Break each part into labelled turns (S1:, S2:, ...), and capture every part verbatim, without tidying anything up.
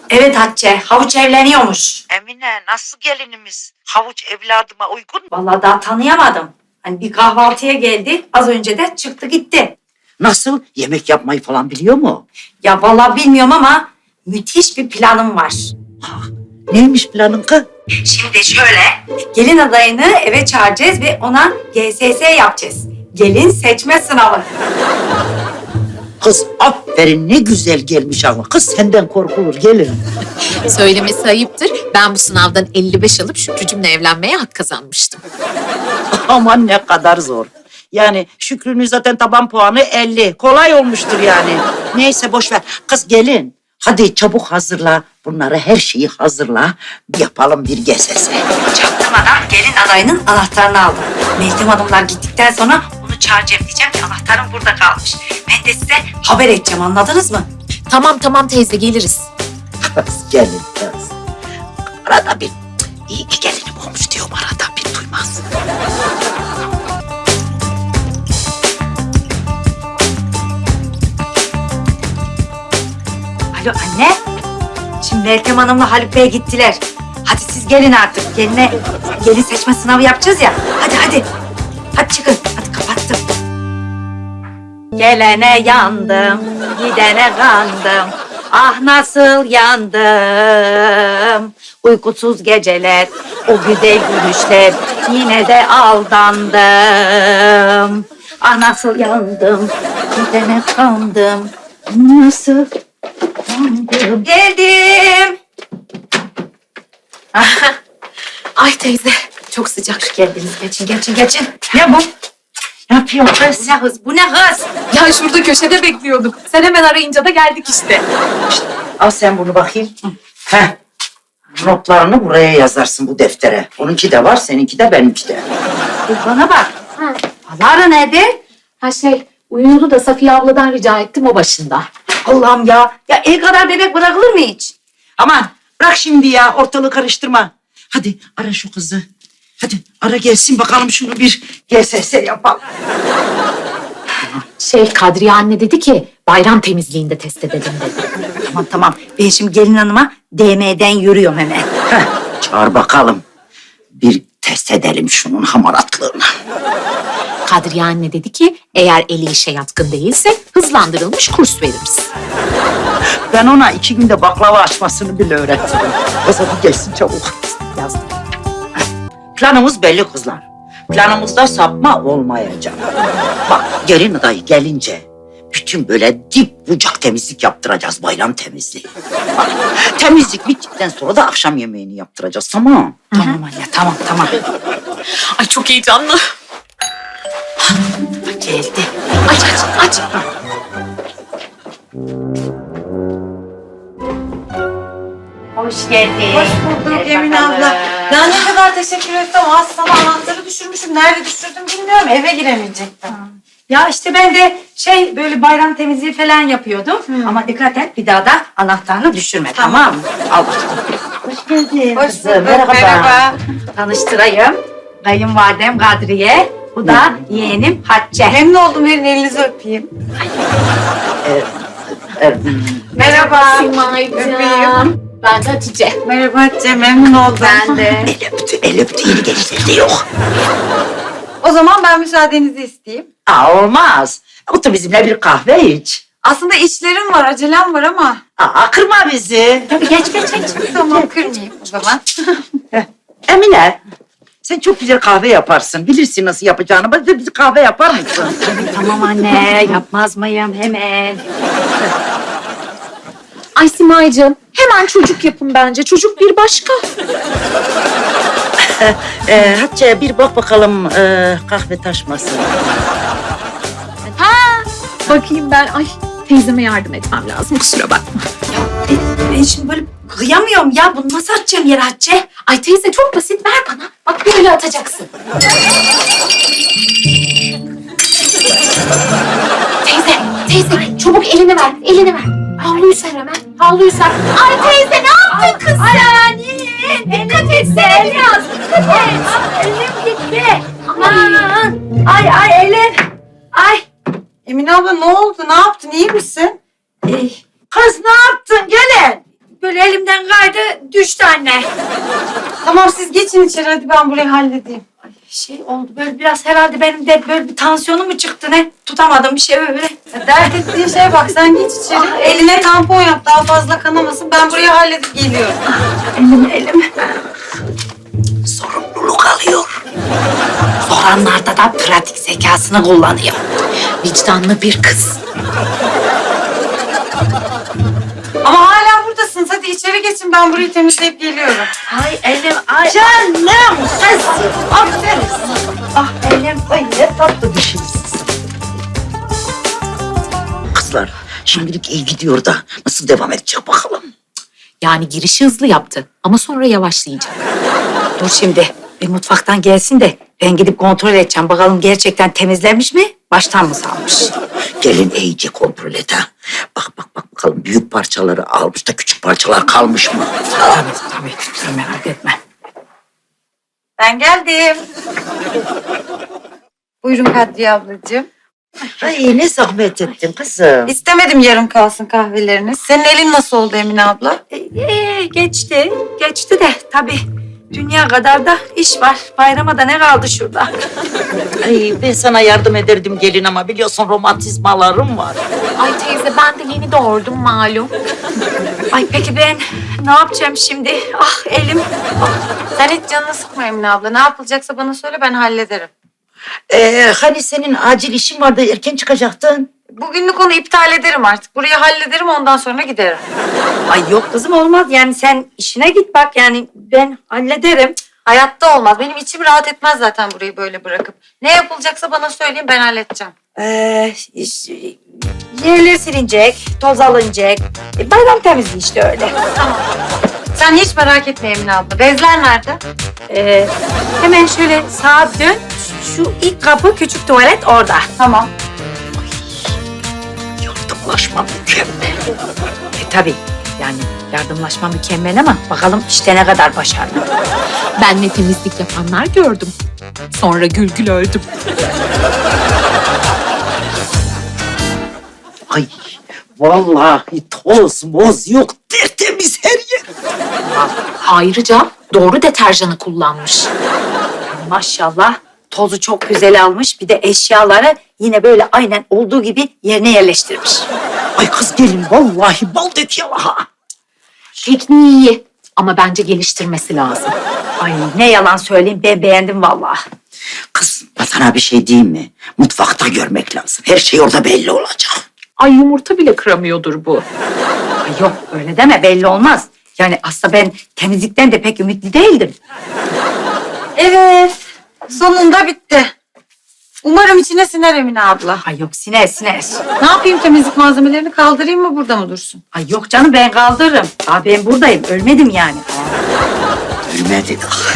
S1: Evet Hatice, havuç evleniyormuş.
S2: Emine nasıl gelinimiz? Havuç evladıma uygun mu?
S1: Vallahi daha tanıyamadım. Hani bir kahvaltıya geldi, az önce de çıktı gitti.
S2: Nasıl? Yemek yapmayı falan biliyor mu?
S1: Ya vallahi bilmiyorum ama müthiş bir planım var.
S2: Neymiş planın kız?
S1: Şimdi şöyle, gelin adayını eve çağıracağız ve ona G S S yapacağız. Gelin seçme sınavı.
S2: Kız aferin ne güzel gelmiş ama. Kız senden korkulur gelin.
S3: Söylemesi ayıptır. Ben bu sınavdan elli beş alıp Şükrücümle evlenmeye hak kazanmıştım.
S2: Aman ne kadar zor. Yani Şükrü'nün zaten taban puanı elli. Kolay olmuştur yani. Neyse boş ver. Kız gelin. Hadi çabuk hazırla. Bunları her şeyi hazırla. Yapalım bir G S S.
S1: Çaktırmadan gelin adayının anahtarını aldım. Meltem Hanımlar gittikten sonra onu çağıracağım, diyeceğim ki anahtarım burada kalmış. Ben de size haber edeceğim, anladınız mı?
S3: Tamam tamam teyze geliriz.
S2: Kız gelin kız. Arada bir iyi ki gelinim olmuş diyorum arada bir duymaz.
S1: Alo anne. Şimdi Meltem Hanım'la Haluk Bey gittiler. Hadi siz gelin artık. Geline, gelin seçme sınavı yapacağız ya. Hadi hadi. Hadi çıkın. Hadi kapattım. Gelene yandım, gidene kandım. Ah nasıl yandım. Uykusuz geceler, o güzel gülüşler. Yine de aldandım. Ah nasıl yandım, gidene kandım. Nasıl yandım. Geldim.
S3: Ay teyze çok sıcak.
S1: Hoş geldiniz. Geçin, geçin, geçin. Ne bu? Ne yapıyorsun kız? Bu ne hız? Bu ne hız?
S3: Ya şurada köşede bekliyorduk. Sen hemen arayınca da geldik işte.
S2: Al sen bunu bakayım. Heh. Notlarını buraya yazarsın bu deftere. Onunki de var, seninki de benimki de.
S1: Dur bana bak. Alara nerede?
S3: Ha şey uyuyordu da Safiye abladan rica ettim o başında.
S1: Allah'ım ya. Ya el kadar bebek bırakılır mı hiç?
S2: Aman bırak şimdi ya, ortalığı karıştırma. Hadi ara şu kızı. Hadi ara gelsin bakalım şunu bir G S S yapalım.
S3: Şey Kadriye anne dedi ki bayram temizliğinde test edelim dedi.
S1: Tamam tamam. Ben şimdi gelin hanıma D M'den yürüyorum hemen.
S2: Heh, çağır bakalım. Bir test edelim şunun hamaratlığını.
S3: Kadriye anne dedi ki eğer eli işe yatkın değilse hızlandırılmış kurs veririz.
S2: Ben ona iki günde baklava açmasını bile öğrettim. Kız hadi gelsin çabuk.
S3: Yazdım.
S2: Planımız belli kızlar. Planımızda sapma olmayacak. Bak gelin adayı gelince bütün böyle dip bucak temizlik yaptıracağız, bayram temizliği. Bak, temizlik bittikten sonra da akşam yemeğini yaptıracağız, tamam?
S1: Tamam anne tamam tamam.
S3: Ay çok heyecanlı.
S1: Geldi.
S3: Aç aç aç.
S1: Hoş geldin.
S4: Hoş bulduk
S1: Gel
S4: Emine
S1: bakalım.
S4: abla. Ya ne kadar teşekkür etsem az sana anahtarı düşürmüşüm. Nerede düşürdüm bilmiyorum. Eve giremeyecektim.
S1: Ya işte ben de şey böyle bayram temizliği falan yapıyordum. Ama dikkat et bir daha da anahtarını düşürme tamam,
S4: Tamam.
S1: mı? Al bakalım.
S2: Hoş geldin.
S4: Hoş
S2: kızım,
S4: bulduk. Merhaba.
S1: Tanıştırayım. Kayınvalidem Kadriye. Bu da yeğenim Hatice.
S4: Memnun oldum. Verin elinizi öpeyim.
S2: Evet.
S4: Merhaba.
S3: Simay'cığım.
S4: Öpeyim.
S3: Ben de Hatice.
S4: Merhaba Hatice. Memnun oldum.
S1: Ben de.
S2: El öptü, el öptü. Yeni gençlerde yok.
S4: O zaman ben müsaadenizi isteyeyim.
S2: Aa, olmaz. Otur bizimle bir kahve iç.
S4: Aslında işlerim var, acelem var ama.
S2: Aa, kırma bizi.
S1: Tabii geç geç geç.
S4: Tamam kırmayayım o zaman.
S2: Emine, sen çok güzel kahve yaparsın. Bilirsin nasıl yapacağını. Bize bize kahve yapar mısın?
S1: Tamam anne yapmaz mıyım hemen.
S3: Ay Simay'cığım hemen çocuk yapın bence. Çocuk bir başka.
S2: Ee, Hatice bir bak bakalım ee, kahve taşmasın.
S3: Bakayım ben. Ay teyzeme yardım etmem lazım kusura bakma.
S1: Ben, ben şimdi böyle kıyamıyorum ya. Bunu nasıl atacağım yere Hatice?
S3: Ay teyze çok basit ver bana. Bak böyle atacaksın. Teyze, teyze çabuk elini ver, elini ver. Havluyu ser hemen, havluyu ser. Ay teyze ne yaptın kız sen? Dikkat et sen biraz, dikkat et.
S1: Elim gitti. Aman. Ay ay elim. Ay.
S4: Emine abla ne oldu? Ne yaptın? İyi misin?
S1: Ey,
S2: Kız ne yaptın gelin?
S1: böyle elimden kaydı düştü anne.
S4: Tamam siz geçin içeri hadi ben burayı halledeyim.
S1: Şey oldu böyle biraz herhalde benim de böyle bir tansiyonum mu çıktı ne? Tutamadım bir şey böyle.
S4: Dert ettiğin şeye bak sen geç içeri.
S1: Ah,
S4: Eline tampon yap daha fazla kanamasın. Ben burayı halledip geliyorum.
S1: Elim elim.
S2: Sorumluluk alıyor.
S1: Soranlarda da pratik zekasını kullanıyor. Vicdanlı bir kız.
S4: Ama hala buradasınız. Hadi içeri geçin ben burayı temizleyip geliyorum.
S1: Ay elim ay.
S2: Canım kız. Aferin.
S1: Ah elim ay ne tatlı düşünürsün.
S2: Kızlar şimdilik iyi gidiyor da nasıl devam edecek bakalım.
S3: Yani girişi hızlı yaptı ama sonra yavaşlayacak.
S1: Dur şimdi bir mutfaktan gelsin de ben gidip kontrol edeceğim. Bakalım gerçekten temizlenmiş mi? Baştan mı salmış?
S2: Gelin iyice kontrol et ha. Bak bak bak bakalım büyük parçaları almış da küçük parçalar kalmış mı?
S1: Tabii tabii. Sen merak etme.
S4: Ben geldim. Buyurun Kadriye ablacığım.
S2: Ay ne zahmet ettin kızım.
S4: İstemedim yarım kalsın kahveleriniz. Senin elin nasıl oldu Emine abla?
S1: Ee, geçti. Geçti de tabii. Dünya kadar da iş var. Bayrama da ne kaldı şurada?
S2: Ay ben sana yardım ederdim gelin ama biliyorsun romantizmalarım var.
S3: Ay teyze ben de yeni doğurdum malum.
S1: Ay peki ben ne yapacağım şimdi? Ah elim.
S4: Sen hiç canını sıkma Emine abla. Ne yapılacaksa bana söyle ben hallederim.
S2: Ee, hani senin acil işin vardı erken çıkacaktın.
S4: Bugünlük onu iptal ederim artık. Burayı hallederim ondan sonra giderim.
S1: Ay yok kızım olmaz. Yani sen işine git bak yani ben hallederim.
S4: Hayatta olmaz. Benim içim rahat etmez zaten burayı böyle bırakıp. Ne yapılacaksa bana söyleyin ben halledeceğim.
S1: Ee, iş- yerler silinecek, toz alınacak. E, bayram temizliği işte öyle.
S4: Sen hiç merak etme Emine abla. Bezler nerede?
S1: Ee, hemen şöyle sağa dön. Şu ilk kapı küçük tuvalet orada.
S4: Tamam.
S2: Yardımlaşma mükemmel.
S1: E tabii yani yardımlaşma mükemmel ama bakalım işte ne kadar başarılı.
S3: Ben ne temizlik yapanlar gördüm. Sonra gül gül öldüm.
S2: Ay vallahi toz moz yok tertemiz her yer.
S3: Ayrıca doğru deterjanı kullanmış.
S1: Maşallah tozu çok güzel almış. Bir de eşyaları yine böyle aynen olduğu gibi yerine yerleştirmiş.
S2: Ay kız gelin vallahi bal dök yalaha.
S3: Tekniği iyi ama bence geliştirmesi lazım.
S1: Ay ne yalan söyleyeyim ben beğendim vallahi.
S2: Kız sana bir şey diyeyim mi? Mutfakta görmek lazım. Her şey orada belli olacak.
S3: Ay yumurta bile kıramıyordur bu.
S1: Ay yok öyle deme belli olmaz. Yani aslında ben temizlikten de pek ümitli değildim.
S4: Evet. Sonunda bitti. Umarım içine siner Emine abla.
S1: Ay yok siner siner.
S4: Ne yapayım temizlik malzemelerini kaldırayım mı burada mı dursun?
S1: Ay yok canım ben kaldırırım. Aa, ben buradayım ölmedim yani.
S2: Ölmedi.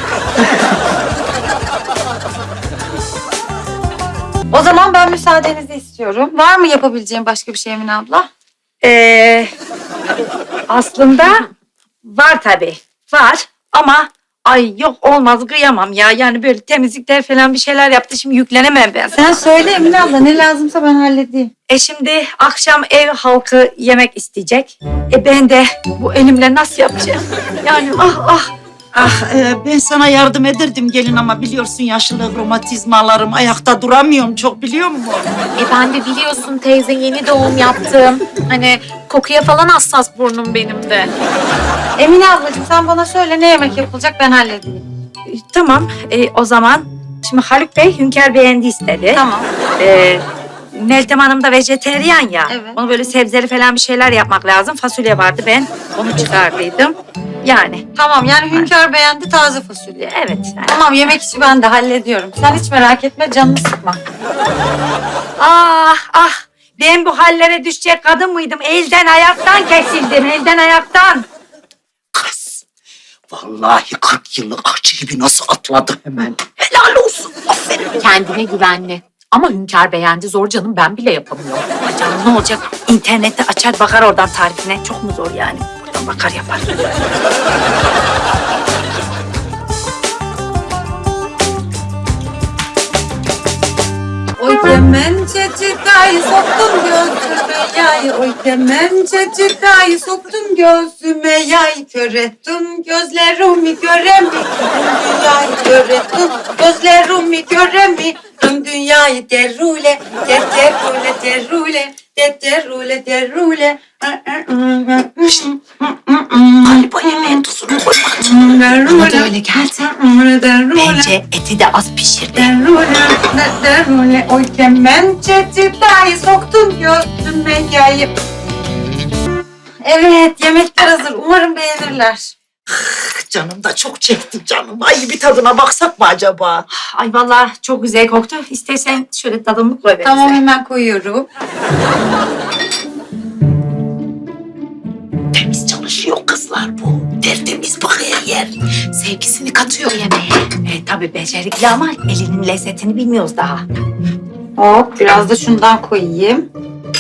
S4: O zaman ben müsaadenizi istiyorum. Var mı yapabileceğim başka bir şey Emine abla?
S1: Ee, aslında var tabii. Var ama ay yok olmaz kıyamam ya. Yani böyle temizlikler falan bir şeyler yaptı. Şimdi yüklenemem ben.
S4: Sen söyle Emine abla ne lazımsa ben halledeyim.
S1: E şimdi akşam ev halkı yemek isteyecek. E ben de bu elimle nasıl yapacağım? Yani ah ah.
S2: Ah e, ben sana yardım ederdim gelin ama biliyorsun yaşlılık romatizmalarım ayakta duramıyorum çok biliyor musun?
S3: E ben de biliyorsun teyze yeni doğum yaptım. Hani kokuya falan hassas burnum benim de.
S4: Emine ablacığım sen bana söyle ne yemek yapılacak ben halledeyim.
S1: E, tamam e, o zaman. Şimdi Haluk Bey Hünkar beğendi istedi.
S4: Tamam.
S1: E, Meltem Hanım da vejeteryan ya.
S4: Evet.
S1: Onu böyle sebzeli falan bir şeyler yapmak lazım. Fasulye vardı ben onu çıkardıydım. Yani
S4: Tamam yani Hünkar beğendi taze fasulye.
S1: evet. Yani.
S4: Tamam yemek işi ben de hallediyorum. Sen hiç merak etme canını sıkma.
S1: Ah ah ben bu hallere düşecek kadın mıydım? Elden ayaktan kesildim elden ayaktan.
S2: Kız vallahi kırk yıllık akçı gibi nasıl atladı hemen. Helal olsun aferin.
S3: Kendine güvenli. Ama Hünkar beğendi zor canım ben bile yapamıyorum.
S1: Ay canım ne olacak? İnternette açar bakar oradan tarifine. Çok mu zor yani? Buradan bakar yapar.
S4: O kemence çocukayı soktun gözüme yay. Oy demem çocukayı soktun gözüme yay. Kör ettin gözlerimi göremi. Dünyayı kör ettin gözlerimi göremi. Tüm dünyayı derrule, der derrule, derrule, der derrule, derrule.
S2: Galiba yemeğin tuzunu koymadın.
S1: Bana da öyle geldi. Bence eti de az pişirdi.
S4: Derrule, derrule, oy kemençe çıtayı soktun gözüme yayıp. Evet, yemekler hazır. Umarım beğenirler.
S2: Canım da çok çekti canım. Ay bir tadına baksak mı acaba?
S1: Ay vallahi çok güzel koktu. İstersen şöyle tadımlık koy
S4: Tamam,
S1: bize.
S4: hemen koyuyorum.
S2: Temiz çalışıyor kızlar bu. Tertemiz bak her yer.
S1: Sevgisini katıyor yemeğe. E, tabii becerikli ama elinin lezzetini bilmiyoruz daha.
S4: Hop, biraz da şundan koyayım.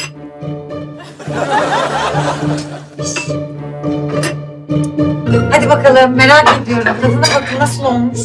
S4: Hadi bakalım, merak ediyorum. Tadına bakın nasıl olmuş.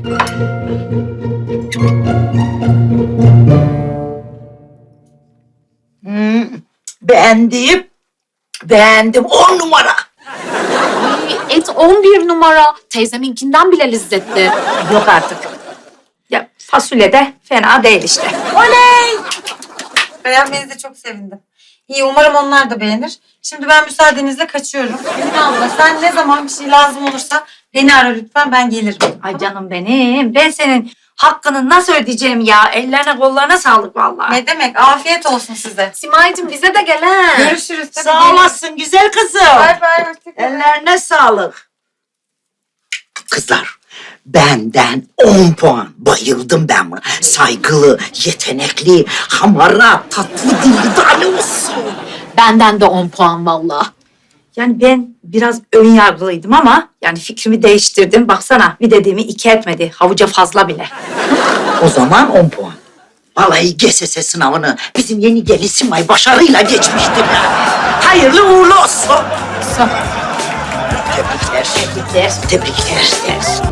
S2: Hmm, beğendim. Beğendim. On numara.
S3: Ay, et on bir numara. Teyzeminkinden bile lezzetli.
S1: Yok artık. Ya fasulye de fena değil işte.
S4: Beğenmenize çok sevindim. İyi, umarım onlar da beğenir. Şimdi ben müsaadenizle kaçıyorum. Emine abla, sen ne zaman bir şey lazım olursa beni ara lütfen, ben gelirim.
S1: Ay canım benim. Ben senin hakkını nasıl ödeyeceğim ya? Ellerine kollarına sağlık vallahi.
S4: Ne demek? Afiyet olsun size.
S3: Simay'cığım bize de gel ha.
S4: Görüşürüz. Tabii,
S2: Sağ
S4: gelin.
S2: olasın güzel kızım.
S4: Bay bay. Hoşçakalın.
S2: Ellerine sağlık. Kızlar, benden on puan. Bayıldım ben buna. Saygılı, yetenekli, hamara, tatlı dilli tane olsun.
S3: Benden de on puan valla.
S1: Yani ben biraz ön yargılıydım ama yani fikrimi değiştirdim. Baksana bir dediğimi iki etmedi. Havuca fazla bile.
S2: O zaman on puan. Vallahi G S S sınavını bizim yeni gelin Simay başarıyla geçmiştir ya. Hayırlı uğurlu olsun. Tebrikler. Tebrikler. Tebrikler.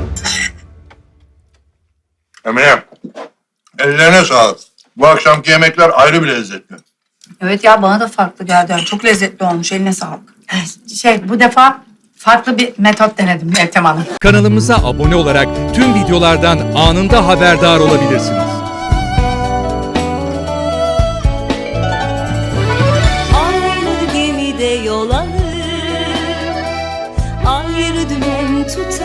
S5: Emine, ellerine sağlık. Bu akşamki yemekler ayrı bir lezzetli.
S4: Evet ya, bana da farklı geldi. Yani çok lezzetli olmuş. Eline sağlık.
S1: Şey bu defa farklı bir metot denedim Meltem Hanım.
S6: Kanalımıza abone olarak tüm videolardan anında haberdar olabilirsiniz.
S7: Aynı gemide yol alır, ayrı dümen tutar.